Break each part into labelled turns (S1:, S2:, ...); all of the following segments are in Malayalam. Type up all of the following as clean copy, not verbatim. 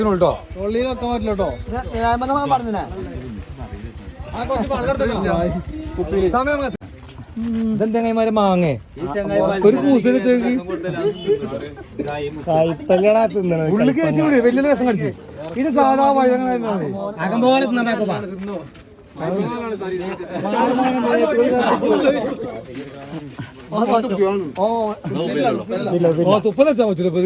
S1: ഇതെന്തെങ്ങന്മാരെ മാങ്ങേ ഒരു കൂസിലേക്ക് ഉള്ളിൽ കയറ്റി വിട് വലിയ രസം കടിച്ച് ഇത് സാധാ വഴുതങ്ങനെ തുപ്പ വെച്ചാൽ പറ്റൂല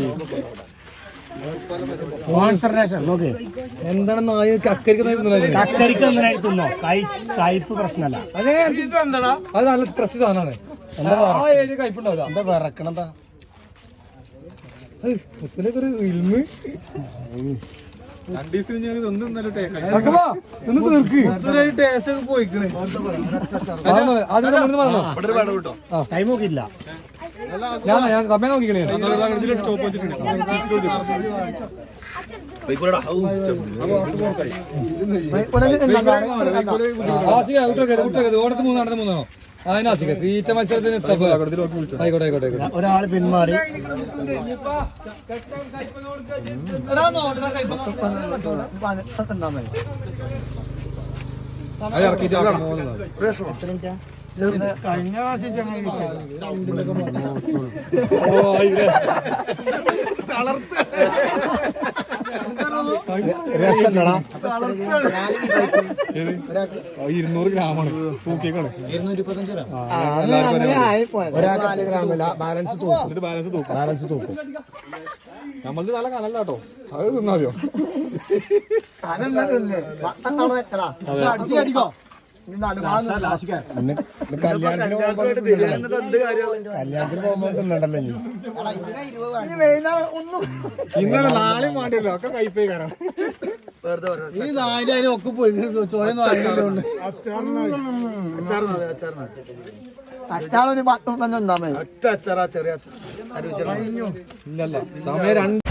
S1: എന്താണ് നായ കക്കരിക്ക്
S2: കയ്പ് പ്രശ്നമല്ല.
S1: അത് നല്ല പ്രസ് സാധനമാണ്. കയ്പുണ്ടാവില്ല.
S2: എന്താ വിറക്കണതാ
S1: ഒരു ഇൽമ്
S2: ടൈം നോക്കിയില്ല.
S1: ഞാൻ സമയം നോക്കിക്കണേ. ഓടത്ത് മൂന്നാണോ അതിനാശിക്ക തീറ്റ മത്സരത്തിന് ആയിക്കോട്ടെ ആയിക്കോട്ടെ.
S2: ഒരാള് പിന്മാറി.
S1: കഴിഞ്ഞ പ്രാവശ്യം
S2: രസല്ലടാ.
S1: 200 ഗ്രാമാണ് തൂക്കിക്കാണ്.
S2: 225 ഒരാൾക്ക് ഗ്രാമല്ല. ബാലൻസ് തൂക്കും.
S1: നമ്മളത് നല്ല കനല്ല കേട്ടോ. അത് തിന്നാതിയോ
S2: കല്യാണത്തിന് പോകുമ്പോ തിന്നണ്ടല്ലോ.
S1: ഇന്നലെ നാളെയും വേണ്ടിയല്ലോ ഒക്കെ കൈപ്പേ കാരണം
S2: ഈ 4000 ഒക്കെ പോയി ചോരൊന്നും ആയില്ലോണ്ട്.
S3: അച്ചാറൊരു 10 തന്നെ ഉണ്ടാമേ.
S2: ഒറ്റ അച്ചാറാ ചെറിയ
S1: ഇല്ലല്ല സമയം 2